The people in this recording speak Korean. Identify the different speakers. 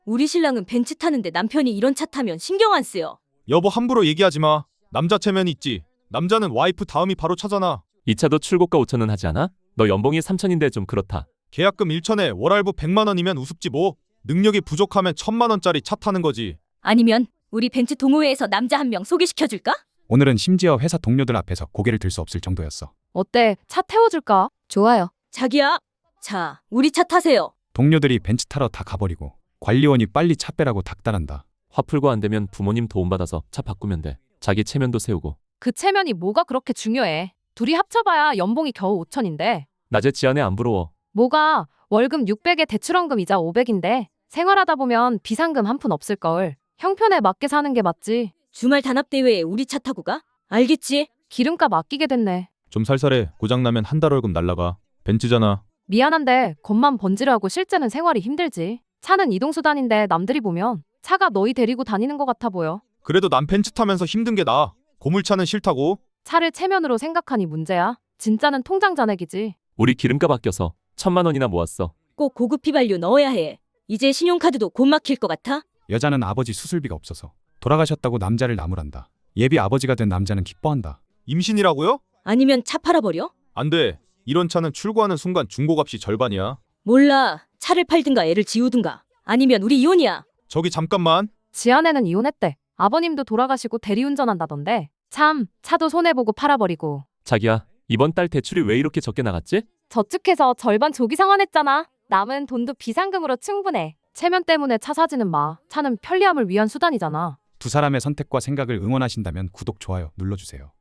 Speaker 1: 우리 신랑은 벤츠 타는데 남편이 이런 차 타면 신경 안 쓰여.
Speaker 2: 여보 함부로 얘기하지 마. 남자 체면 있지. 남자는 와이프 다음이 바로 차잖아.
Speaker 3: 이 차도 출고가 5천원 하지 않아? 너 연봉이 3천인데 좀 그렇다.
Speaker 2: 계약금 1천에 월할부 100만 원이면 우습지 뭐. 능력이 부족하면 1,000만 원짜리 차 타는 거지.
Speaker 1: 아니면 우리 벤츠 동호회에서 남자 한 명 소개시켜줄까?
Speaker 4: 오늘은 심지어 회사 동료들 앞에서 고개를 들 수 없을 정도였어.
Speaker 5: 어때? 차 태워줄까? 좋아요.
Speaker 1: 자기야, 자, 우리 차 타세요.
Speaker 4: 동료들이 벤츠 타러 다 가버리고 관리원이 빨리 차 빼라고 닥달한다.
Speaker 3: 화 풀고 안 되면 부모님 도움받아서 차 바꾸면 돼. 자기 체면도 세우고.
Speaker 5: 그 체면이 뭐가 그렇게 중요해? 둘이 합쳐봐야 연봉이 겨우 5천인데.
Speaker 3: 낮에 지안에 안 부러워.
Speaker 5: 뭐가 월급 600에 대출원금 이자 500인데 생활하다 보면 비상금 한 푼 없을걸. 형편에 맞게 사는 게 맞지.
Speaker 1: 주말 단합대회에 우리 차 타고 가? 알겠지?
Speaker 5: 기름값 아끼게 됐네.
Speaker 2: 좀 살살해. 고장나면 한 달 월급 날라가. 벤츠잖아.
Speaker 5: 미안한데 겉만 번지르하고 실제는 생활이 힘들지. 차는 이동수단인데 남들이 보면 차가 너희 데리고 다니는 것 같아 보여.
Speaker 2: 그래도 난 벤츠 타면서 힘든 게 나아. 고물차는 싫다고.
Speaker 5: 차를 체면으로 생각하니 문제야. 진짜는 통장 잔액이지.
Speaker 3: 우리 기름값 아껴서 1,000만 원이나 모았어.
Speaker 1: 꼭 고급 휘발유 넣어야 해. 이제 신용카드도 곧 막힐 것 같아?
Speaker 4: 여자는 아버지 수술비가 없어서 돌아가셨다고 남자를 나무란다. 예비 아버지가 된 남자는 기뻐한다.
Speaker 2: 임신이라고요?
Speaker 1: 아니면 차 팔아버려?
Speaker 2: 안 돼. 이런 차는 출고하는 순간 중고값이 절반이야.
Speaker 1: 몰라. 차를 팔든가 애를 지우든가. 아니면 우리 이혼이야.
Speaker 2: 저기 잠깐만.
Speaker 5: 지아내는 이혼했대. 아버님도 돌아가시고 대리운전한다던데. 참, 차도 손해보고 팔아버리고.
Speaker 3: 자기야, 이번 달 대출이 왜 이렇게 적게 나갔지?
Speaker 5: 저축해서 절반 조기 상환했잖아. 남은 돈도 비상금으로 충분해. 체면 때문에 차 사지는 마. 차는 편리함을 위한 수단이잖아.
Speaker 4: 두 사람의 선택과 생각을 응원하신다면 구독, 좋아요 눌러주세요.